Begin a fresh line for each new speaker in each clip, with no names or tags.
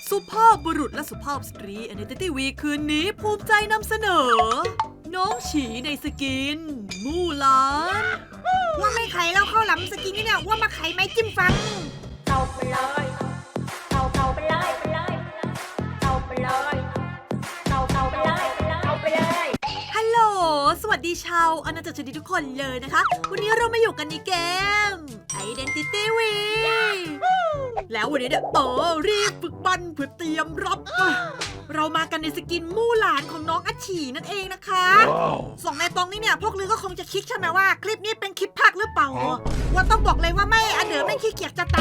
สุภาพบุรุษและสุภาพสตรี Identity Week คืนนี้ภูมิใจนำเสนอ น้องฉีในสกิน มู่หลาน
ว่าไม่ไข่แล้วข้าวหลามสกินนี่เนี่ยว่ามาไข่ไม้จิ้มฟัน
เอาไปเลยเอาไปเลยไปเลยเอาไปเลยเอาไปเลยเอาไปเลย
ฮัลโหล สวัสดีชาวอาณาจักรชนิดทุกคนเลยนะคะ วันนี้เรามาอยู่กันในเกม Identity Week แล้ววันนี้เนี่ยรีบฝึกบันเพื่อเตรียมรับ เรามากันในสกินมู่หลานของน้องอัชฉีนั่นเองนะคะสองในตรงนี้เนี่ยพวกลือก็คงจะคิดใช่ไหมว่าคลิปนี้เป็นคลิปภาคหรือเปล่าว่าต้องบอกเลยว่าไม่อันเดิมไม่ขี้เกียจจะไต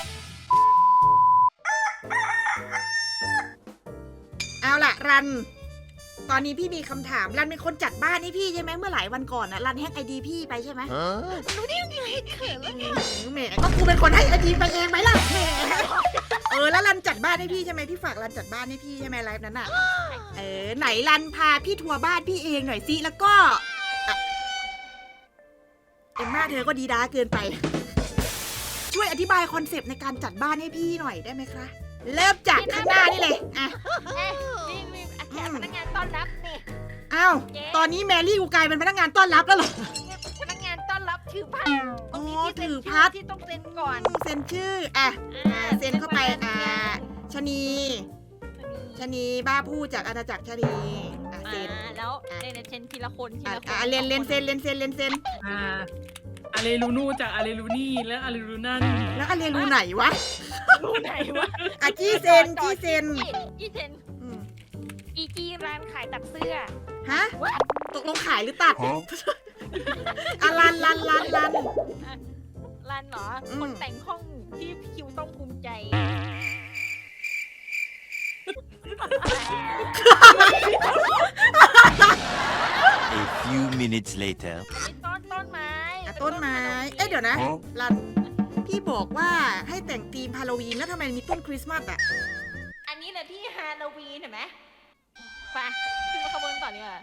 เอาล่ะรันตอนนี้พี่มีคำถามรันเป็นคนจัดบ้านให้พี่ใช่ไหมเมื่อหลายวันก่อนนะรันแฮกไอดีพี่ไปใช่ไหมรู้ได้ยังไงเขินแล้วเนี่ยแหมก็กูเป็นคนให้ไอดีไปเองไหมล่ะแหมแล้วรันจัดบ้านให้พี่ใช่ไหมพี่ฝากรันจัดบ้านให้พี่ใช่ไหมไลฟ์นั้นอ่ะไหนรันพาพี่ทัวร์บ้านพี่เองหน่อยสิแล้วก็เอ็มมาเธอก็ดีด้าเกินไปช่วยอธิบายคอนเซปต์ในการจัดบ้านให้พี่หน่อยได้ไหมคะเริ่มจากข้างหน้านี่เลยอ่ะ
นี่แขกพนักงานต้อนรับนี่
อ้าวตอนนี้แมรี่กูกลายเป็นพนักงานต้อนรับแล้วเหรอ
พนักงานต้อนรับถือพัดตรงนี้ที่
ถือพัด
ที่ต้องเซ็นก่อน
เซ็นชื่อเซ็นเข้าไปชนีบ้าพูดจากอาณาจักรชนีเซ็น
แล้วเนี่ยเซ็นทีละคนทีละคน
เรียนเซ็น
อาเลรูนูจากอาเลรูนี่และอาเลรูนั่น
แล้วเรียนรู้ไหนวะ
รู้ไหนวะ
จี้เซ็น
จี้เซ็นจีร้านขายตัดเสื้อ
ฮะตกลงขายหรือตัดลัน
ร้านเหรอคนแต่งห้องที่คิวต้องภูมิใจ
A few minutes later.
ต้นไม้
เดี๋ยวนะลันพี่บอกว่าให้แต่งธีมฮาโลวีนแล้วทำไมมีต้นคริสต์มาสอ่ะ
อันนี้แหละที่ฮาโลวีนเห็นไหมไปขึ้นมาขบวนต่อเนี่ย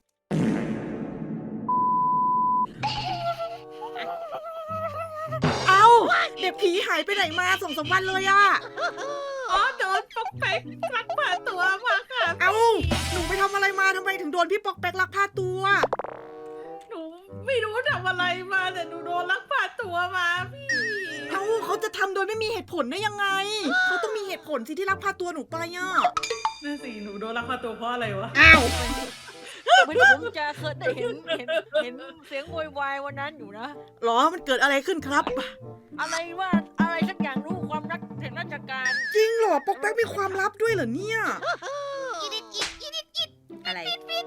เอ้าเด็กผีหายไปไหนมา2-3 วันเลยอ่ะ
อ๋อโดนป๊อกแป๊กลักพาตัวมาค่ะ
เอ้าหนูไปทำอะไรมาทำไมถึงโดนพี่ปอกแป๊กลักพาตัว
หนูไม่รู้ทำอะไรมาแต่หนูโดนลักพาตัวมาพี่
เอ้าเขาจะทำโดยไม่มีเหตุผลได้ยังไงเขาต้องมีเหตุผลสิที่ลักพาตัวหนูไปอ่ะ
นั่นสิหนูโดนลักพาตัวเพราะอะไรวะ
อ้าว
เหมือนผมจะเคยได้เห็นเสียงโวยวายวันนั้นอยู่นะ
หรอมันเกิดอะไรขึ้นครับ
อะไรว่าอะไรสักอย่างรู้ความรักแห่งราชการ
จริงเหรอปอกแป๊กมีความลับด้วยเหรอเนี่ยอะไร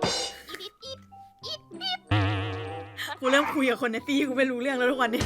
กูเริ่มคุยกับคนในตีกูไม่รู้เรื่องแล้วทุกวันนี้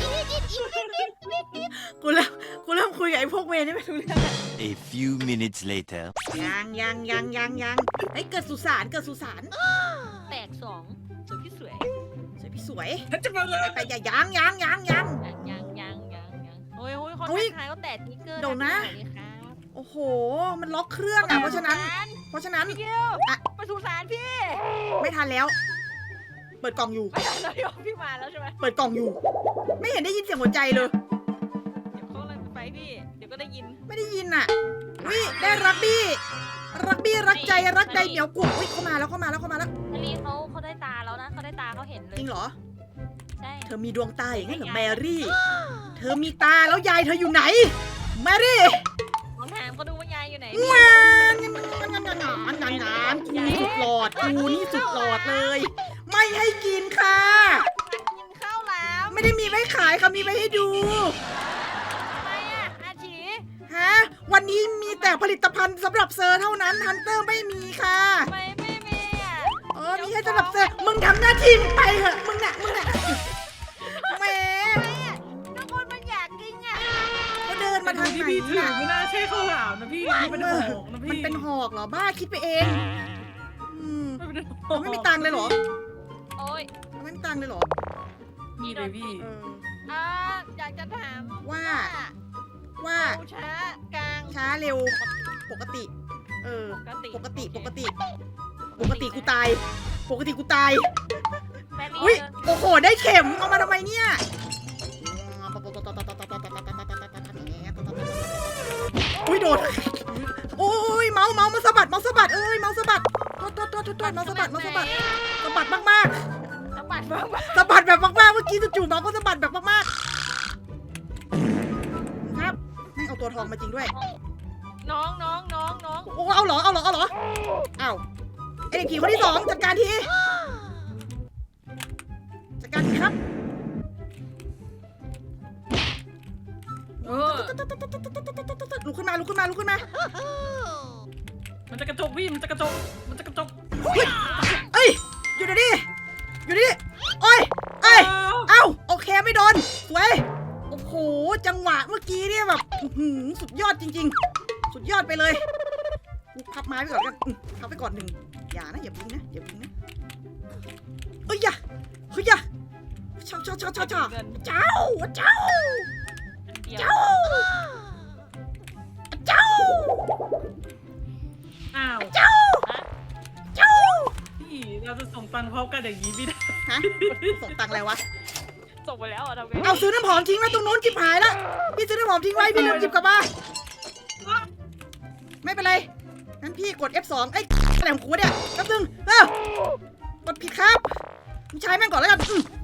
กูเริ่มคุยกับไอ้พวกเวรนี่ไม่รู้เรื่อง
A few minutes later.
ยังไอ้เกิดสุสาน
แตกสองสวยพี่สวย
สวยพี่สวย
จะมาเลย
ไปอย่ายัง
ยังโอ้ยคนทักทายเขาแตกนิกเกอร์
เดี๋ยวนะ
สวัสดีครับ
โอ้โหมันล็อกเครื่องอ่ะเพราะฉะนั้น
พี่เกียวไปสุสานพี่
ไม่ทันแล้ว เปิดกล่องอยู่
ไม่ทันแล้วพี่มาแล้วใช่ไหม
เปิดกล่องอยู่ ไม่เห็นได้ยินเสียงหัวใจเลย
เดี๋ยวเขาเลยไปพี่เดี๋ยวก็ได้ยิน
ไม่ได้ยินอ่ะวิได้รักบี้รักใจรักใดเหนียวกุ่วิเข้ามาแล้ว
มารีเขาได้ตาแล้วนะเขาได้ตาเขาเห็นเลย
จริงเหรอ
ใช่
เธอมีดวงตาอย่างนั้นเหรอแมรี่ เธอมีตาแล้วยายเธออยู่ไหน แมรี่
ผมถามเขาดูว่ายายอยู่ไหน
งานกูนี่สุดหลอดเลย ไม่ให้กินค่ะ
กินข้าวแล้ว
ไม่ได้มีไว้ขายค่ะมีไว้ให้ดู
ทำไมอ่ะอาชี
ฮะวันนี้มีแต่ผลิตภัณฑ์สำหรับเซอร์เท่านั้นฮันเตอร์ไม่มีค่ะ
ทำไมไม่มีอ่ะ
มีแค่สำหรับเซอร์มึงทำหน้าที่ไปเถอะมึงน่ะแหม
ทุกคนมันอยากกินอ่ะ
เขาเดินมาทางไหน
พี่ถือ
น่ะ
ไม่น่าใช่ข้าวหลามนะพี่นี่เป็นหอกนะ
มัน
พี่
เป็นหอกเหรอบ้าคิดไปเองไม่มีตังค์เลยเหรอ
โอ้ย
ไม่มีตังค์เลยเหรอ
มีเลยพี่
อยากจะถาม
ว่า
ช้ากลาง
ช้าเร็วปกติ ปกติกูตายอุ้ยโอ้โหได้เข็มเอามาทำไมเนี่ยอุ้ยโดนโอ้
มาสะบัดเมาสะบัดเอ้ยเมาสะบัดโทษเมาสะบัดสะบัดมาก
สะบัดบ้าง
ๆสะบัดแบบมากๆเมื่อกี้จู่ๆเมาก็สะบัดแบบมากๆครับไม่เอาตัวทองมาจริงด้วย
น้อง
โอ้เอาเหรออ้าวไอเด็กผีคนที่2จัดการทีครับ ลุกขึ้นมา
มันจะกระจกพี่มันจะกระจก
เอ้ยอยู่ดิโอ้ยเอ้าโอเคไม่โดนสวยโอ้โหจังหวะเมื่อกี้เนี่ยแบบสุดยอดจริงๆสุดยอดไปเลยพับไม้ไปก่อนกันพับไปก่อนหนึ่งอย่านะอย่าบิงนะเอ้ยอย่าเจ้า
อ้าวพี่เราจะส่งตังค์พร้อมกันอย่างนี้ไม่ได้
ฮะส่งตังค์อะไรวะ
ส่งไปแล้วทำไง
เอาซื้อน้ำหอมทิ้งไว้ตรงนู้นจิบหายแล้วพี่ซื้อน้ำหอมทิ้งไว้พี่ลืมจิบกลับมาไม่เป็นไรงั้นพี่กด F2 ไอ้อะไรของกูเนี่ยแป๊บนึงกดผิดครับมึงใช้แม่งก่อนแล้วกัน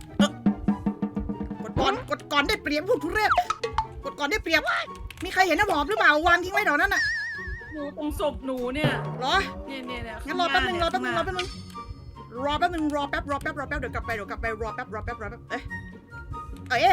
กดก่อนได้เปรียบพวกทุเรศกดก่อนได้เปรียบมีใครเห็นน้ำหอมหรือเปล่าวางทิ้งไว้แถวนั้นน่ะ
หนูตรงศพหนูเนี่ย
เหรอ
เนี่ย
งั้นรอแป๊บนึงเดี๋ยวกลับไปรอแป๊บเอ้ย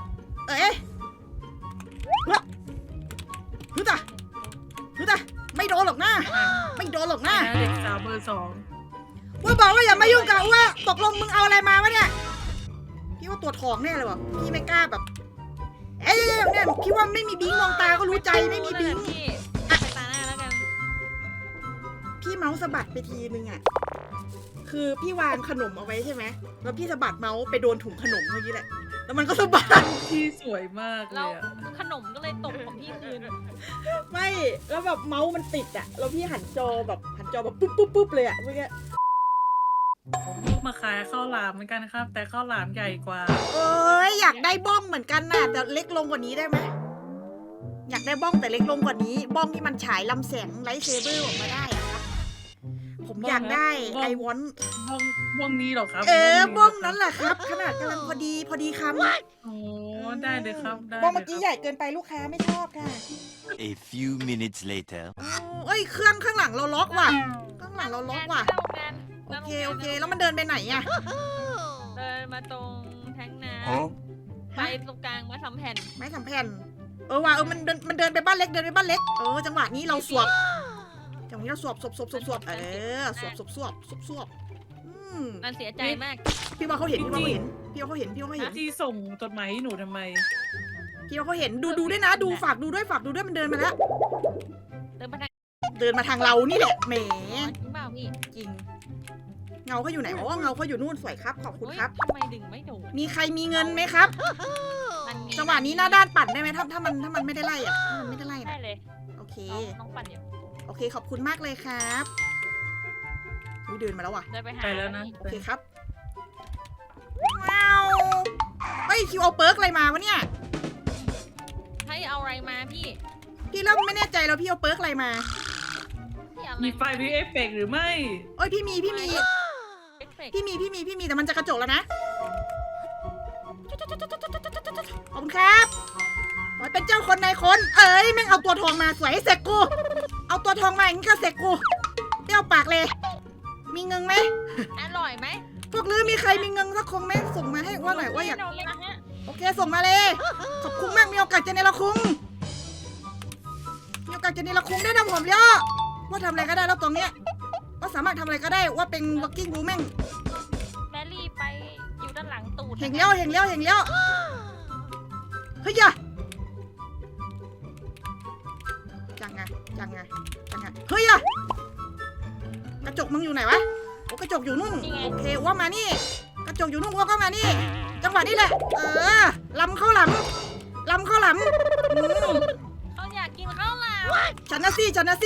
ฮึตะไม่โดนหรอกนะ
เด็กสาวเบอร์ 2
ว่าบอกว่าอย่ามายุ่งกับว่าตกลงมึงเอาอะไรมาวะเนี่ยพี่ว่าตัวทองแน่เลยวะพี่ไม่กล้าแบบเนี่ยพี่ว่าไม่มีบิงมองตาก็รู้ใจไม่มีบิง
พี่ไปตาหน้าแล้วกัน
พี่เมาส์สะบัดไปทีนึงอ่ะคือพี่วางขนมเอาไว้ใช่ไหมแล้วพี่สะบัดเมาส์ไปโดนถุงขนมเมื่อกี้แหละแล้วมันก็สะบัด
พี่สวยมากเล
เรา
ยอะ
ขนมก็เลยตกของพี่คืน
ไม่แล้วแบบเมาส์มันติดอ่ะแล้วพี่หันจอแบบปุ๊บเลยอ่ะเมื่อกี้
ลูกมาขายข้าวหลามเหมือนกันครับ แต่ข้าวหลามใหญ่กว่า
เอ้ยอยากได้บ้องเหมือนกันน่ะแต่เล็กลงกว่านี้ได้ไหมอยากได้บ้องแต่เล็กลงกว่านี้บ้องที่มันฉายลำแสงไลท์เซเบอร์ออกมาได้อะครับผมอยากได้
บ้อง
ไอวอน
บ้องนี้เหรอครับ
บ้องนั้นแหละครับ ขนาดกำลังพอดีคำ
โอ้ได้เลยครับได้
บ้องเมื่อ
ล
กี้
ย
ใหญ่เกินไปลูกค้าไม่ชอบค่ะ
A few minutes later.
เอ้ยเครื่องข้างหลังเราล็อกว่ะข้างหลังเราล็อกว่ะ
งาน
โอเคแล้วมันเดินไปไหนอะ
เดินมาตรงแทงน้ำไปตรงกลางมาทำแผ่น
ไม้สำแผ่นว่ะมันเดินไปบ้านเล็กจังหวะนี้เราสวบจังหวะนี้เราสวบสวบสวบสวบ
มันเสียใจมาก
พี่ว่าเขาเห็น
ที่ส่งจดหมายให้หนูทำไม
พี่ว่าเขาเห็นดูด้วยนะดูฝากดูด้วยมันเดินมาแล้ว
เดินไปทาง
เดินมาทางเรานี่แหละแหม
จริงเปล่าพี่
จริงเงาเขาอยู่ไหนอ๋อเงาเขาอยู่นู่นสวยครับขอบคุณครับ
ทำไมดึงไม่โดน
มีใครมีเงินไหมครับ จังหวะนี้หน้าด้านปั่นได้ไหมถ้ามันไม่ได้ไล่อะถ้ามันไม่ได้ไล่
ได้
นะ
เลย
โอเค
น้องปั่นอยู่
โอเคขอบคุณมากเลยครับเดินมาแล้วว่ะ
เดินไปหา
ไปแล้วนะ
โอเคครับว้าวเฮ้ยคิวเอาเปิร์กอะไรมาวะเนี่ย
ให้เอาอะไรมาพี่
พี่เริ่มไม่แน่ใจแล้วพี่เอาเปิร์กอะไรมา
พี่เอา
มีไฟมีเอฟเฟกต์หรือไม่
เอ้ยพี่มีแต่มันจะกระจกแล้วนะขอบคุณครับขอให้เป็นเจ้าคนนายคนเอ้ยแม่งเอาตัวทองมาสวยให้เสกกูเอาตัวทองมาอย่างนี้ก็เสกกูเปรี้ยวปากเลยมีเงินไหม
อร่อยไหม
พวกลือมีใครมีเงินสักคงไหมส่งมาให้ว่าหน่อยว่าอยาก
น้องนะฮะ
โอเคส่งมาเลย ขอบคุณมากมีโอกาสจะเนรคุณมีโอกาสจะเนรคุณได้นะผมย่อว่าทำอะไรก็ได้แล้วตรงเนี้ยว่าสามารถทำอะไรก็ได้ว่าเป็น working woman
แมรี่ไปอยู่ด้านหลังตูด
เห็นแล้วเฮ้ยอย่าจังไงเฮ้ยอย่ากระจกมึงอยู่ไหนวะโอ้กระจกอยู่นู่นโอเคว่ามานี่กระจกอยู่นู่นว่าก็มานี่จังหวะนี้แหละลำเข้าหลัง
เขาอยากกินข้าวหลาม
ฉันนะสิฉันนะสิ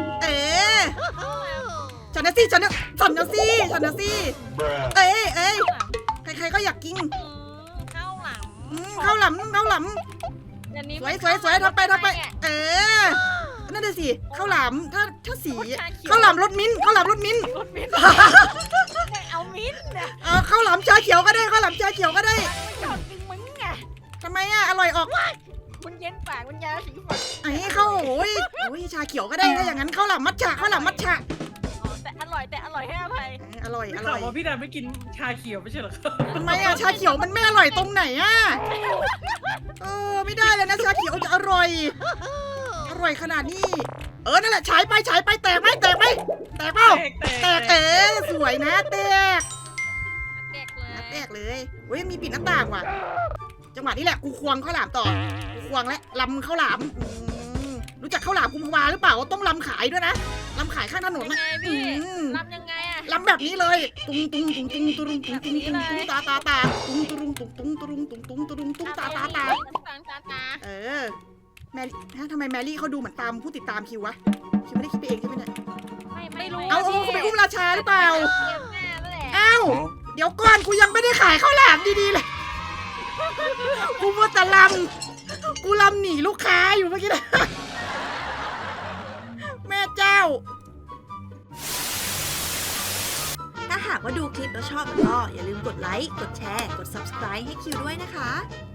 ข้าวหลาม
ใครๆก็อยากกิน
ข้าวหลาม
ข้าวหลำ
เดี๋ยวนี้
สวยทำไปนั่นน่ะสิข้าวหลามถ้าสีข้าวหลามรสมิ้นท์ข้าวหลามรสมิ้นท์
รถมิ้นเอามิ้นนะ
ข้าวหลามชาเขียวก็ได้ข้าวหลามชาเขียวก็ได้
มันชอบกินมึงไง
ทำไมอะอร่อยออก
มันเย็นปากมันยาสีฟัน
ไอ้ข้าวโอ้ยชาเขียวก็ได้ถ้าอย่างนั้นข้าวหลามมัทฉะข้าวหลามมัทฉะ
อ๋อแต่อร่อยให้อภัย
อร่อย
ไม่
อ
ข่า
ร่
ว
อย
ว่าพี่ดาไม่กินชาเขียวไม่ใช่เหรอครับ
ทำไมอะชาเขียวมันไม่อร่อยตรงไหนอะไม่ได้เลยนะชาเขียวจะอร่อยขนาดนี้นั่นแหละฉายไปแตกไหมแตกเปล่าแตกสวยนะแตก
แตกเลย
แตกเลยเฮ้ยมีปิดหน้าต่างว่ะจังหวะนี้แหละกูควงข้าวหลามต่อกูควงและลำข้าวหลามรู้จักข้าวหลามกุมภาวาหรือเปล่าต้องลำขายด้วยนะลำขายข้างถนน
ยัง
นะ
ไงพี่รำยังไงอะ
ลำแบบนี้เลยตุ้งตุ้งตุ้งตุ้งตุ้งตุ้งตุ้งตุ้งตุ้งตาตุ้งตุ้งตุ้งตุ้งตุ้งตุ้งตุ้งตุ้งตุ้งตา แมรี่ทำไมแมรี่เขาดูเหมือนตามผู้ติดตามคิววะคิวไม่ได้คิดไปเองใช่ไหมเนี่ย
ไม่รู้
เอาเขาไปอุ้มราชาหรือเปล่า
แม่แล้วแหละ
อ้าวเดี๋ยวก่อนกูยังไม่ได้ขายข้าวหลามดีๆเลยกูมัวแต่กูลำหนีลูกค้าอยู่เมื่อกี้นะแม่เจ้า
ถ้าหากว่าดูคลิปแล้วชอบก็อย่าลืมกดไลค์ กดแชร์ กด subscribe ให้คิวด้วยนะคะ